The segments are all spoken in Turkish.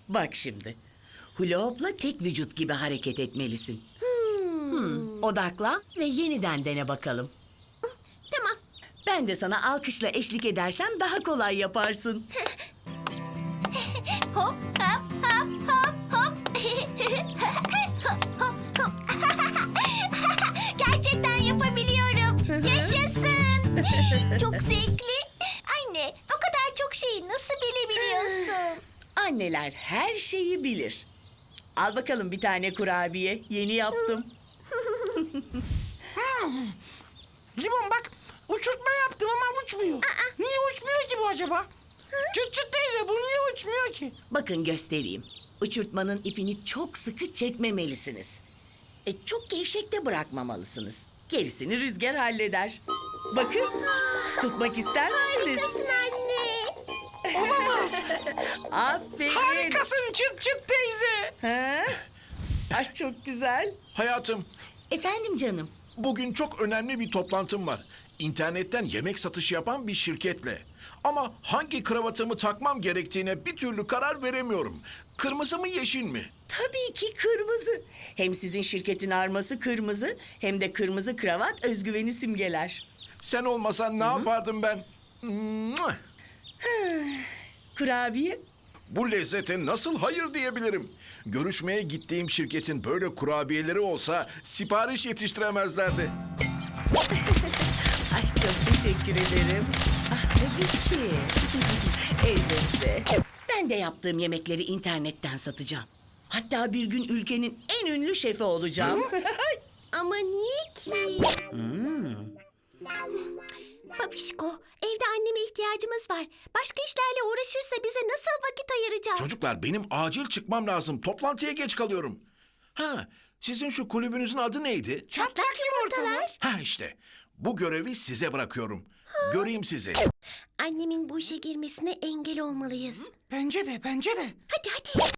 Bak şimdi. Hula hoop'la tek vücut gibi hareket etmelisin. Odaklan ve yeniden dene bakalım. Tamam. Ben de sana alkışla eşlik edersem daha kolay yaparsın. Hop hop hop hop hop. Hop hop hop. Gerçekten yapabiliyorum. Yaşasın. Çok zevkli. Anne, o kadar çok şeyi nasıl bilebiliyorsun? Anneler her şeyi bilir. Al bakalım bir tane kurabiye. Yeni yaptım. Limon bak, uçurtma yaptım ama uçmuyor. Niye uçmuyor ki bu acaba? Çıt çıt teyze, bu niye uçmuyor ki? Bakın göstereyim. Uçurtmanın ipini çok sıkı çekmemelisiniz. Çok gevşek de bırakmamalısınız. Gerisini rüzgar halleder. Bakın, tutmak ister misiniz? Harikasın anne. Olamaz. Aferin. Harikasın çıt çıt teyze. Ha? Ay çok güzel. Hayatım, Efendim canım. bugün çok önemli bir toplantım var. İnternetten yemek satışı yapan bir şirketle. Ama hangi kravatımı takmam gerektiğine bir türlü karar veremiyorum. Kırmızı mı yeşil mi? Tabii ki kırmızı. Hem sizin şirketin arması kırmızı, hem de kırmızı kravat özgüveni simgeler. Sen olmasan ne yapardım ben? Mua! Kurabiye? Bu lezzete nasıl hayır diyebilirim? Görüşmeye gittiğim şirketin böyle kurabiyeleri olsa sipariş yetiştiremezlerdi. Ay çok teşekkür ederim. Ah tabii ki. Elbette. Ben de yaptığım yemekleri internetten satacağım. Hatta bir gün ülkenin en ünlü şefi olacağım. Ama niye ki? Babişko, evde anneme ihtiyacımız var. Başka işlerle uğraşırsa bize nasıl vakit ayıracak? Çocuklar benim acil çıkmam lazım. Toplantıya geç kalıyorum. Ha, sizin şu kulübünüzün adı neydi? Çatlak yumurtalar. Ha işte. Bu görevi size bırakıyorum. Göreyim sizi. Annemin bu işe girmesine engel olmalıyız. Bence de, bence de. Hadi hadi.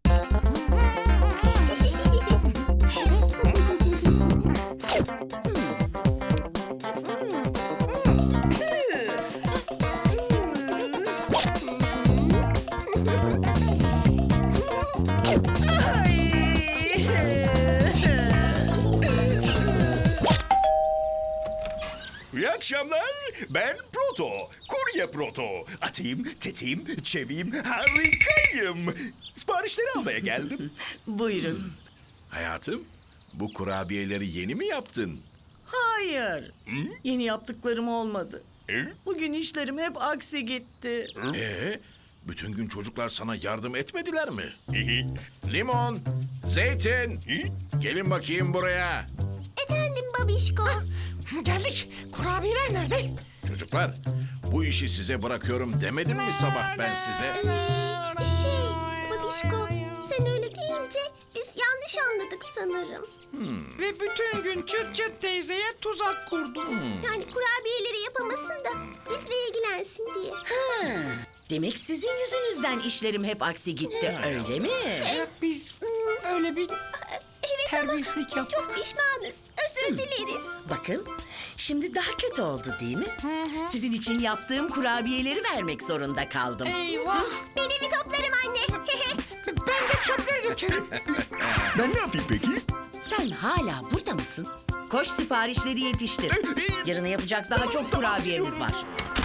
İyi akşamlar. Ben Proto. Kurye Proto. Atayım, tetiğim, çeviyim, harikayım. Siparişleri almaya geldim. Buyurun. Hayatım, bu kurabiyeleri yeni mi yaptın? Hayır. Yeni yaptıklarım olmadı. Hı? Bugün işlerim hep aksi gitti. Bütün gün çocuklar sana yardım etmediler mi? Limon, zeytin, gelin bakayım buraya. Efendim babişko. Geldik. Kurabiyeler nerede? Çocuklar, bu işi size bırakıyorum demedim mi sabah ben size? Babişko, sen öyle deyince biz yanlış anladık sanırım. Ve bütün gün çıt çıt teyzeye tuzak kurdum. Yani kurabiyeleri yapamasın da bizle ilgilensin diye. Demek sizin yüzünüzden işlerim hep aksi gitti, öyle mi? Evet, biz öyle bir Evet terbiyesizlik ama yaptık. çok pişmanız. Özür dileriz. Bakın, şimdi daha kötü oldu değil mi? Sizin için yaptığım kurabiyeleri vermek zorunda kaldım. Eyvah. Ben evi toplarım anne. Ben de çöpleri dökerim. Ben ne yapayım peki? Sen hala burada mısın? Koş siparişleri yetiştir. Yarına yapacak daha çok kurabiyemiz var.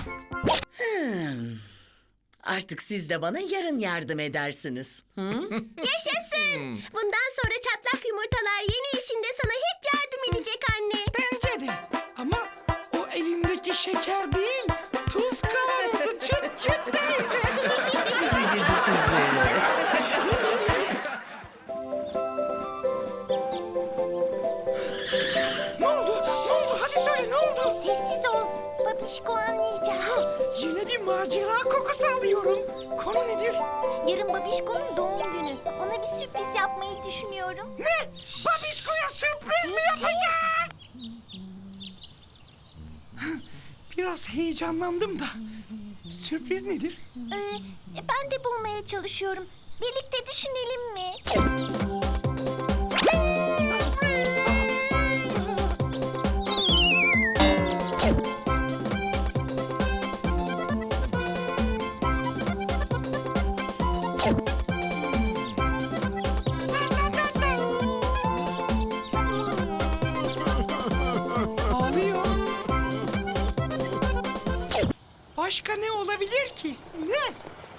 Artık siz de bana yarın yardım edersiniz. Yaşasın. Bundan sonra çatlak yumurtalar yeni işinde sana hep yardım edecek anne. Bence de. Ama o elindeki şeker değil, tuz kavanozu çıt çıt teyze. Sizi gidi sizi. Ne oldu? Ne oldu? Hadi söyle ne oldu? Sessiz ol. Babişko anlayacak. Yine bir macera kokusu alıyorum. Konu nedir? Yarın Babişko'nun doğum günü. Ona bir sürpriz yapmayı düşünüyorum. Ne? Babişko'ya sürpriz mi yapacak? Biraz heyecanlandım da. Sürpriz nedir? Ben de bulmaya çalışıyorum. Birlikte düşünelim mi? Başka ne olabilir ki? Ne?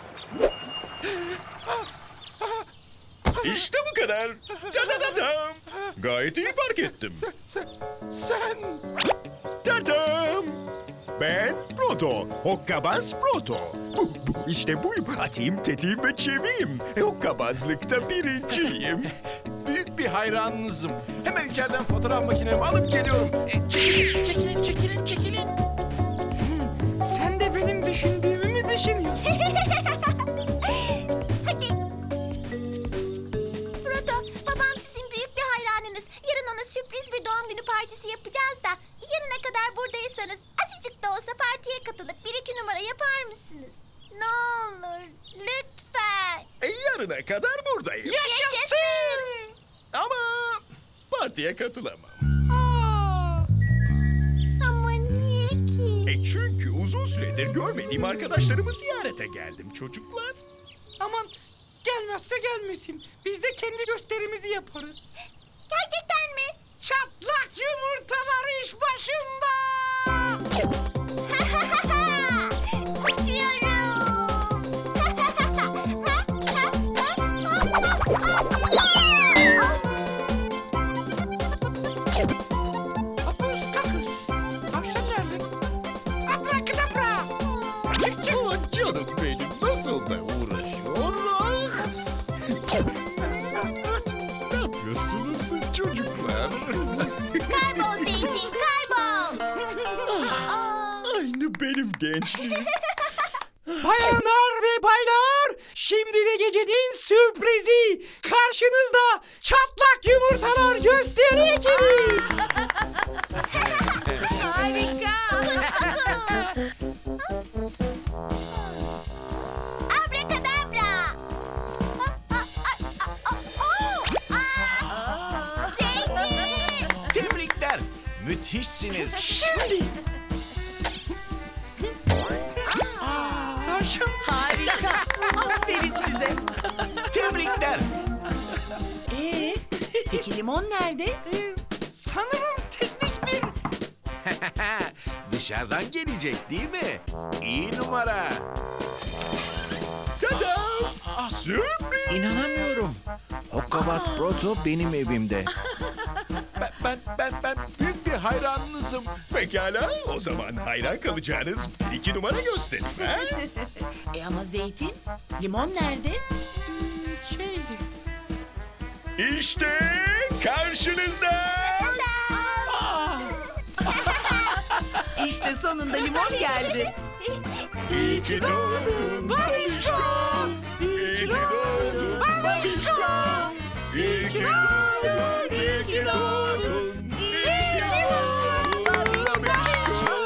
İşte bu kadar. Ta-ta-ta-tam. Gayet iyi fark ettim. Sen... Ta-tam. Ben Proto. Hokkabaz Proto. İşte buyum. Atayım, tetiğim ve çeviyim. Hokkabazlıkta birinciyim. Büyük bir hayranınızım. Hemen içeriden fotoğraf makinemi alıp geliyorum. Çekilin. Sen de benim düşündüğümü mü düşünüyorsun? Hadi. Proto, babam sizin büyük bir hayranınız. Yarın ona sürpriz bir doğum günü partisi yapacağız da. Yarına kadar buradaysanız azıcık da olsa partiye katılıp 1-2 numara yapar mısınız? Ne olur, lütfen. Yarına kadar buradayım. Yaşasın! Ama partiye katılamam. Ama niye ki? Çünkü uzun süredir görmediğim arkadaşlarımı ziyarete geldim çocuklar. Aman gelmezse gelmesin. Biz de kendi gösterimizi yaparız. Gerçekten mi? Çatlak yumurtalar iş başında. Hapus kakus. Tavşan nerede? Abrakadabra. Çık çık. Oh canım benim nasıl da uğraşıyor. Ne yapıyorsunuz siz çocuklar? Kaybol Zeytin, kaybol. Aynı benim gençliğim. Bayanlar ve baylar, şimdi de gecenin sürprizi. Karşınızda çatlak yumurtalar gösteri ekibi. Abrakadabra. Zeytin. Tebrikler. Müthişsiniz. Tavşan. Harika. Aferin size. Tebrikler. Peki limon nerede? Sanırım teknik bir... Dışarıdan gelecek değil mi? İyi numara. Ta-da! Sürpriz! İnanamıyorum. Hokkabaz Proto benim evimde. Ben büyük bir hayranınızım. Pekala, o zaman hayran kalacağınız 1-2 numara gösterin. Ha? Ama Zeytin, limon nerede? Şey... İşte karşınızda. İşte sonunda limon geldi. İyi ki doğdun babişko. İyi ki doğdun babişko. İyi ki doğdun, iyi ki doğdun. İyi ki doğdun babişko.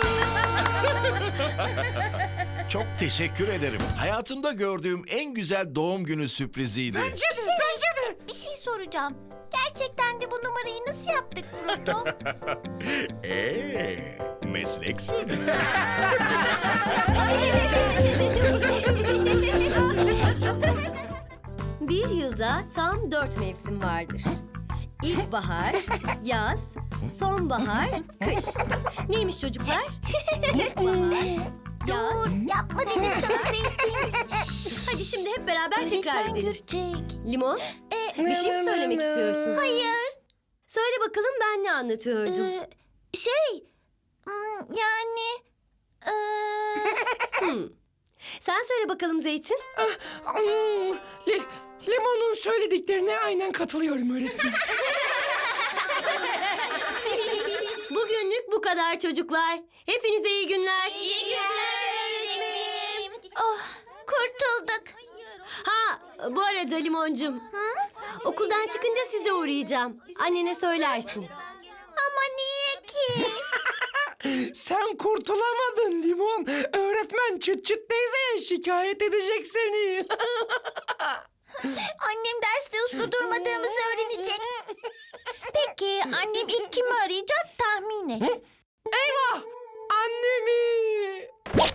Çok teşekkür ederim. Hayatımda gördüğüm en güzel doğum günü sürpriziydi. Bence de. Bir şey soracağım. Gerçekten de bu numarayı nasıl yaptık Proto? Meslek sırrı. Bir yılda tam 4 mevsim vardır. İlkbahar, yaz, sonbahar, kış. Neymiş çocuklar? İlkbahar, yaz. Dur, yapma dedim sana Zeytin. Hadi şimdi hep beraber tekrar Öğretmen edelim. görecek. Limon, bir şey mi söylemek istiyorsun? Hayır. Söyle bakalım ben ne anlatıyordum? Yani... Sen söyle bakalım Zeytin. Limon'un söylediklerine aynen katılıyorum öğretmenim. Bugünlük bu kadar çocuklar. Hepinize iyi günler. Oh, kurtulduk. Ha, bu arada Limoncum. Okuldan çıkınca size uğrayacağım. Annene söylersin. Ama niye ki? Sen kurtulamadın Limon. Öğretmen Çıt Çıt teyzeye şikayet edecek seni. Annem derste uslu durmadığımızı öğrenecek. Peki annem ilk kimi arayacak tahmin et. Eyvah! Annemi!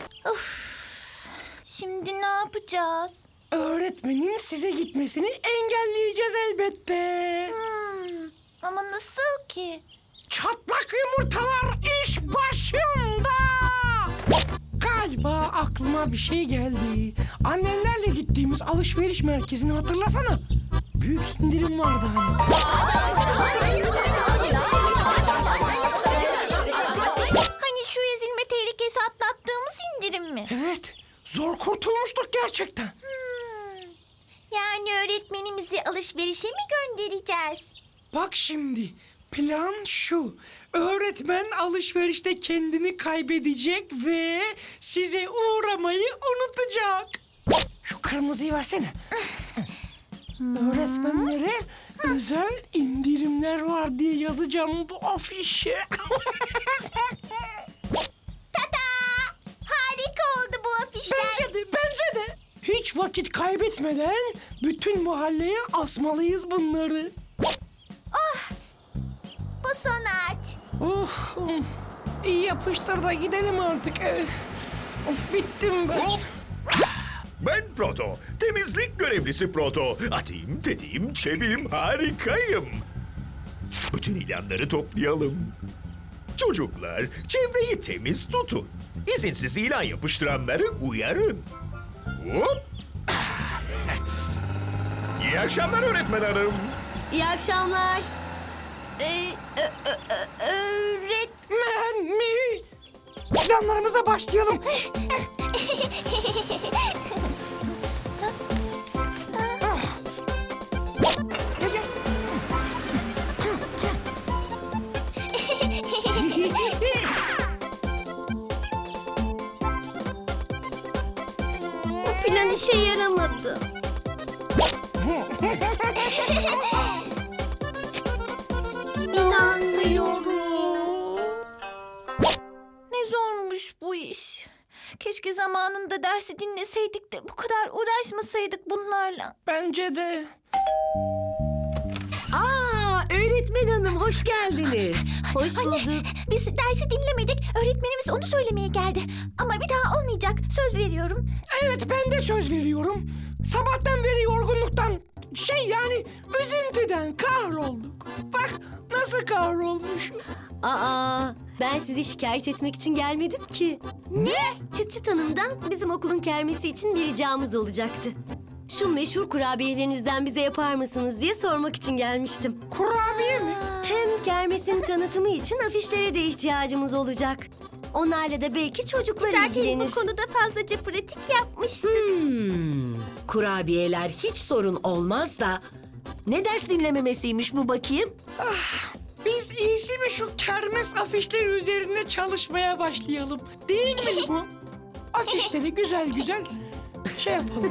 Şimdi ne yapacağız? Öğretmenin size gitmesini engelleyeceğiz elbette. Ama nasıl ki? Çatlak yumurtalar iş başında. Galiba aklıma bir şey geldi. Annenlerle gittiğimiz alışveriş merkezini hatırlasana. Büyük indirim vardı hani. Hani şu ezilme tehlikesi atlattığımız indirim mi? Evet, zor kurtulmuştuk gerçekten. Yani öğretmenimizi alışverişe mi göndereceğiz? Bak şimdi, plan şu. Öğretmen alışverişte kendini kaybedecek ve size uğramayı unutacak. Şu kırmızıyı versene. Öğretmenlere özel indirimler var diye yazacağım bu afişe. Tada! Harika oldu bu afişler. Bence de. Hiç vakit kaybetmeden bütün mahalleye asmalıyız bunları. Bu son ağaç. Oh, iyi yapıştır da gidelim artık. Bittim ben. Hop! Ben Proto. Temizlik görevlisi Proto. Atayım, tetiğim, çeviyim, harikayım. Bütün ilanları toplayalım. Çocuklar, çevreyi temiz tutun. İzinsiz ilan yapıştıranları uyarın. Hop! İyi akşamlar öğretmen hanım. İyi akşamlar. Ben mi? Planlarımıza başlayalım. Gel, gel. Bu plan işe yaramadı. İnanmıyorum. Ne zormuş bu iş. Keşke zamanında dersi dinleseydik de bu kadar uğraşmasaydık bunlarla. Bence de. Aa, öğretmen hanım hoş geldiniz. Hoş bulduk. Biz dersi dinlemedik. Öğretmenimiz onu söylemeye geldi. Ama bir daha olmayacak. Söz veriyorum. Evet, ben de söz veriyorum. Sabahtan beri yorgunluktan, yani üzüntüden kahrolduk. Bak nasıl kahrolmuşum. Aa, ben sizi şikayet etmek için gelmedim ki. Ne? Çıt Çıt Hanım'dan bizim okulun kermesi için bir ricamız olacaktı. Şu meşhur kurabiyelerinizden bize yapar mısınız diye sormak için gelmiştim. Kurabiye mi? Hem kermesin tanıtımı için afişlere de ihtiyacımız olacak. Onlarla da belki çocuklar Zaten ilgilenir. bu konuda fazlaca pratik yapmıştık. Kurabiyeler hiç sorun olmaz da... Ne ders dinlememesiymiş bu bakayım? Biz iyisi mi şu kermes afişleri üzerinde çalışmaya başlayalım. Değil mi bu? Afişleri güzel güzel şey yapalım.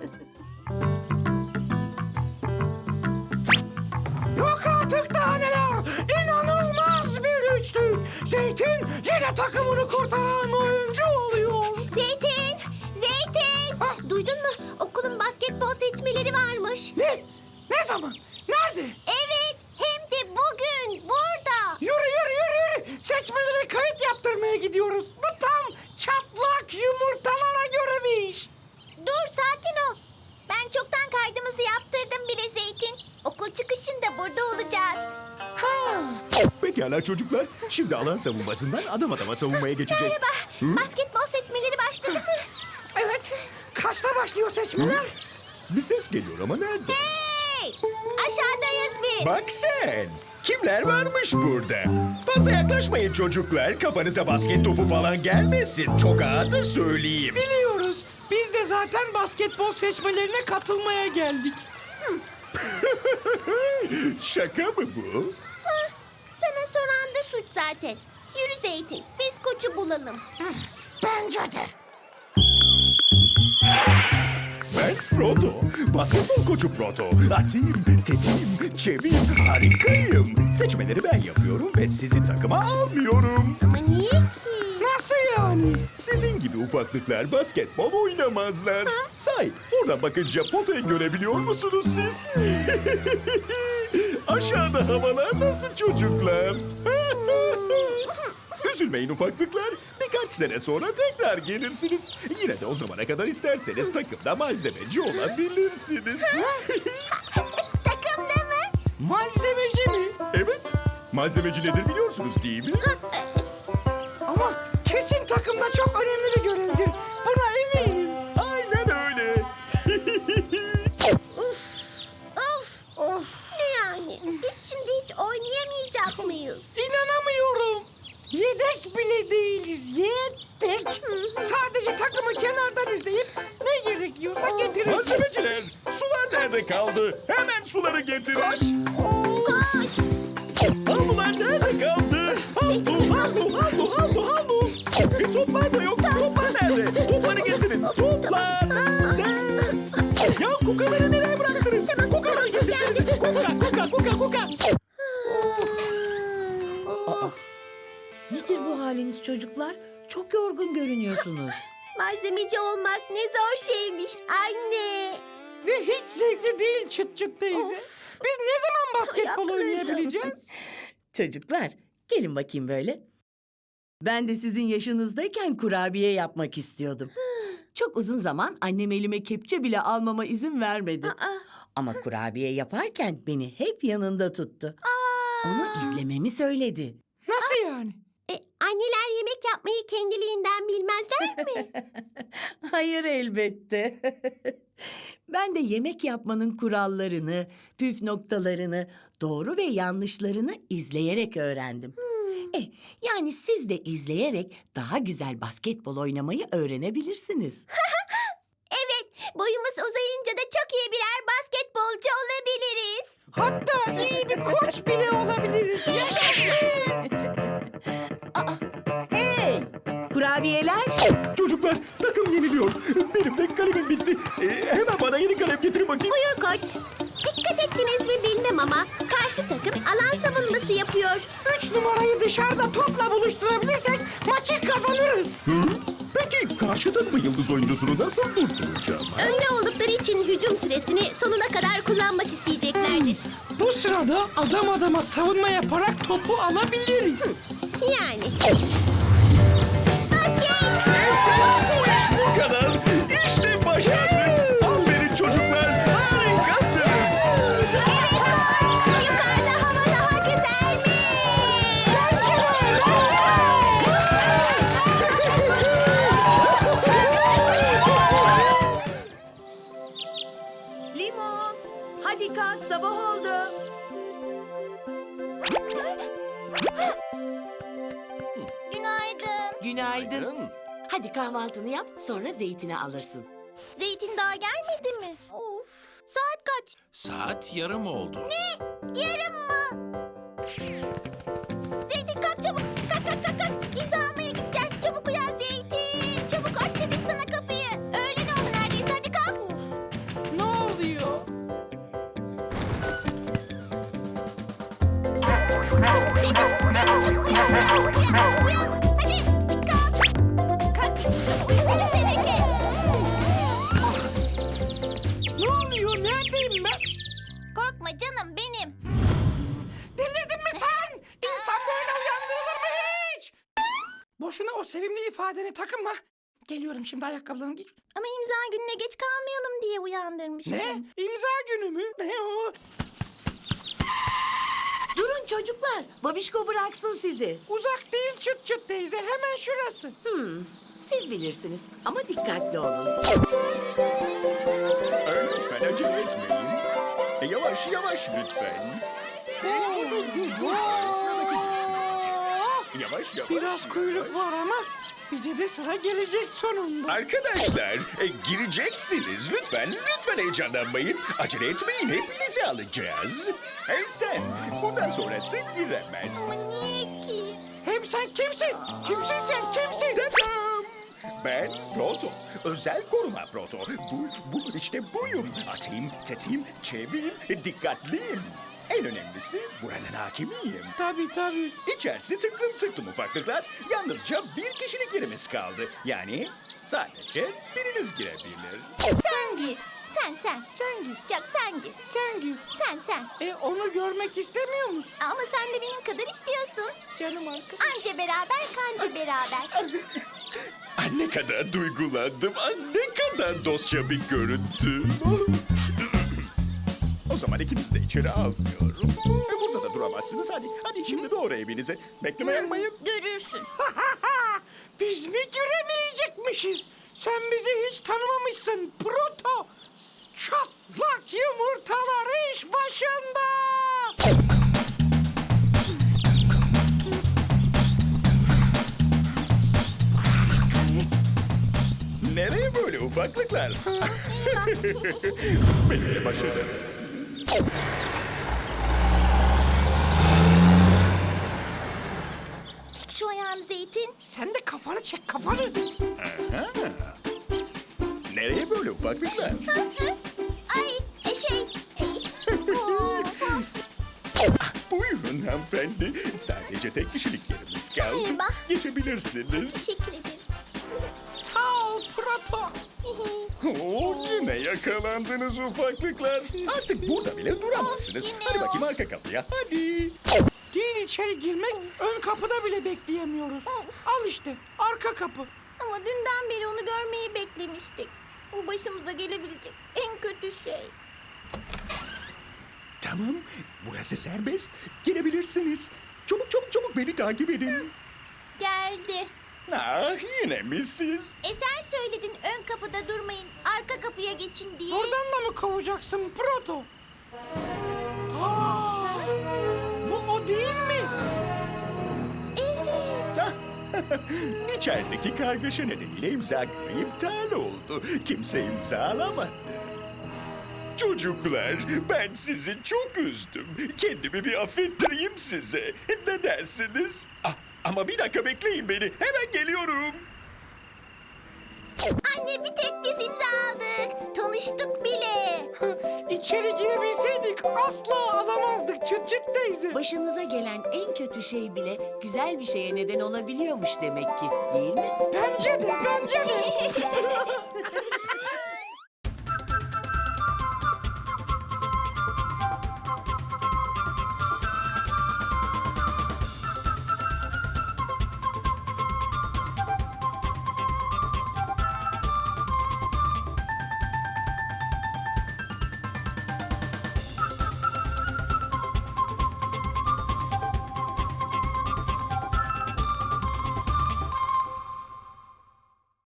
Yok artık daha neler! İnanılmaz bir üçlük! Zeytin yine takımını kurtaran oyuncu oluyor. Zeytin! Zeytin! Duydun mu? Okulun basketbol seçmeleri varmış. Ne? Ne zaman? Nerede? Evet, hem de bugün burada. Yürü yürü yürü yürü! Seçmelere kayıt yaptırmaya gidiyoruz. Bu tam çatlak yumurtalara göre bir iş. Dur, sakin ol. Ben çoktan kaydımızı yaptırdım bile Zeytin. Okul çıkışında burada olacağız. Ha. Pekala çocuklar. Şimdi alan savunmasından adım adama savunmaya geçeceğiz. Basketbol seçmeleri başladı mı? Evet. Kaçta başlıyor seçmeler? Bir ses geliyor ama nerede? Hey! Aşağıdayız biz. Bak sen. Kimler varmış burada? Fazla yaklaşmayın çocuklar. Kafanıza basket topu falan gelmesin. Çok ağırdır söyleyeyim. Biliyoruz. Biz de zaten basketbol seçmelerine katılmaya geldik. Şaka mı bu? Sana soran da suç zaten. Yürü Zeytin, biz koçu bulalım. Bence de. Ben Proto. Basketbol koçu Proto. Atayım, tetiğim, çeviyim, harikayım. Seçmeleri ben yapıyorum ve sizi takıma almıyorum. Ama niye ki? Nasıl yani? Sizin gibi ufaklıklar basketbol oynamazlar. Sahi buradan bakınca potayı görebiliyor musunuz siz? Aşağıda havalar nasıl çocuklar? Üzülmeyin ufaklıklar. Birkaç sene sonra tekrar gelirsiniz. Yine de o zamana kadar isterseniz takımda malzemeci olabilirsiniz. Takımda mı? Malzemeci mi? Evet. Malzemeci nedir biliyorsunuz değil mi? Ama kesin takımda çok önemli bir görevdir Yedek bile değiliz. Yedek. Sadece takımı kenardan izleyip ne gerekiyorsa getireceğiz. Malzemeciler, sular nerede kaldı? Hemen suları getirin. Koş. Havlular nerede kaldı? Havlu. Toplar da yok. Toplar nerede? Topları getirin. Toplar nerede? Ya kukaları nereye bıraktınız? Kukaları getirsenize. Kuka. Nedir bu haliniz çocuklar? Çok yorgun görünüyorsunuz. Malzemeci olmak ne zor şeymiş anne. Ve hiç zevkli değil çıt çıt teyze. Biz ne zaman basketbol ayaklarım. oynayabileceğiz? Çocuklar, gelin bakayım böyle. Ben de sizin yaşınızdayken kurabiye yapmak istiyordum. Çok uzun zaman annem elime kepçe bile almama izin vermedi. Ama kurabiye yaparken beni hep yanında tuttu. Onu izlememi söyledi. Nasıl yani? Anneler yemek yapmayı kendiliğinden bilmezler mi? Hayır elbette. Ben de yemek yapmanın kurallarını, püf noktalarını, doğru ve yanlışlarını izleyerek öğrendim. Yani siz de izleyerek daha güzel basketbol oynamayı öğrenebilirsiniz. Evet, boyumuz uzayınca da çok iyi birer basketbolcu olabiliriz. Hatta iyi bir koç bile olabiliriz. Yaşasın! Hey! Kurabiyeler! Çocuklar, takım yeniliyor. Benim de kalemim bitti. Hemen bana yeni kalem getirin bakayım. Buyur koç. Dikkat ettiniz mi bilmem ama karşı takım alan savunması yapıyor. 3 numarayı dışarıda topla buluşturabilirsek maçı kazanırız. Peki karşı takımın yıldız oyuncusunu nasıl durduracağım? Önde oldukları için hücum süresini sonuna kadar kullanmak isteyeceklerdir. Bu sırada adam adama savunma yaparak topu alabiliriz. Yani. Basket! Bu iş bu kadar. İşte başardık. Aferin çocuklar. Harikasınız. Evet koç! Yukarıda hava daha güzelmiş! Limon! Hadi kalk, sabah oldu. Günaydın. Günaydın. Hadi kahvaltını yap, sonra zeytini alırsın. Zeytin daha gelmedi mi? Of. Saat kaç? Saat yarım oldu. Yarım mı? Zeytin kalk çabuk. Kalk. İmza almaya gideceğiz. Çabuk uyan Zeytin. Çabuk aç dedim sana kapıyı. Öğlen oldu neredeyse. Hadi kalk. Ne oluyor? Zeytin çabuk uyan. Hadi kalk. Kalk. Uyumayacağız demek ki. Ne oluyor? Neredeyim ben? Korkma canım benim. Delirdin mi sen? İnsan böyle uyandırılır mı hiç? Boşuna o sevimli ifadeni takınma. Geliyorum şimdi, ayakkabılarımı giy. Ama imza gününe geç kalmayalım diye uyandırmıştım. Ne? İmza günü mü? Ne o? Durun çocuklar, babişko bıraksın sizi. Uzak değil çıt çıt teyze. Hemen şurası. Siz bilirsiniz ama dikkatli olun. Lütfen acele etmeyin. Yavaş lütfen. Dur. Sıradaki girsin önce. Yavaş. Biraz kuyruk var ama bize de sıra gelecek sonunda. Arkadaşlar, gireceksiniz. Lütfen heyecanlanmayın. Acele etmeyin, hepinizi alacağız. Hey sen, bundan sonrası giremez. Ama niye ki? Hem sen kimsin? Kimsin sen? Kimsin? Tadam! Ben Proto, özel koruma Proto. İşte buyum. Atayım, tetiğim, çeviyim, dikkatliyim. En önemlisi buranın hakimiyim. Tabii. İçerisi tıklım ufaklıklar. Yalnızca bir kişilik yerimiz kaldı. Yani sadece biriniz girebilir. Sen gir. Sen. Sen gir. Yok sen gir. Sen gir. Sen. Onu görmek istemiyor musun? Ama sen de benim kadar istiyorsun. Canım arkadaşım. Anca beraber kanca beraber. Ne kadar duygulandım. Ne kadar dostça bir görüntü. O zaman ikiniz de içeri almıyorum. Burada da duramazsınız. Hadi şimdi doğru evinize. Bekleme yapmayın. Görürsün. Biz mi giremeyecekmişiz? Sen bizi hiç tanımamışsın Proto. Çatlak yumurtalar iş başında. ufaklıklar. Benimle baş edemezsin. Çek şu ayağını Zeytin. Sen de kafanı çek kafanı. Nereye böyle ufaklıklar? Ay of, of. Buyurun hanımefendi. Sadece tek kişilik yerimiz kaldı. Merhaba. Geçebilirsiniz. Teşekkür ederim. Sağ ol Proto. Oo, yine yakalandınız ufaklıklar. Artık burada bile duramazsınız. Of, yine Hadi bakayım of. arka kapıya. Hadi. Değil içeri girmek, ön kapıda bile bekleyemiyoruz. Al işte, arka kapı. Ama dünden beri onu görmeyi beklemiştik. Bu başımıza gelebilecek en kötü şey. Tamam. Burası serbest. Girebilirsiniz. Çabuk çabuk çabuk beni takip edin. Geldi. Ah, yine mi siz? Sen söyledin ön kapıda durmayın, arka kapıya geçin diye. Oradan da mı kovacaksın Proto? Aa, bu o değil mi? İçerideki kargaşa nedeniyle imza günü iptal oldu. Kimse imzalamadı. Çocuklar, ben sizi çok üzdüm. Kendimi bir affettireyim size. Ne dersiniz? Ah, ama bir dakika bekleyin beni. Hemen geliyorum. Anne bir tek biz imza aldık. Tanıştık bile. İçeri girebilseydik asla alamazdık çıt çıt teyze. Başınıza gelen en kötü şey bile güzel bir şeye neden olabiliyormuş demek ki, değil mi? Bence de, bence de.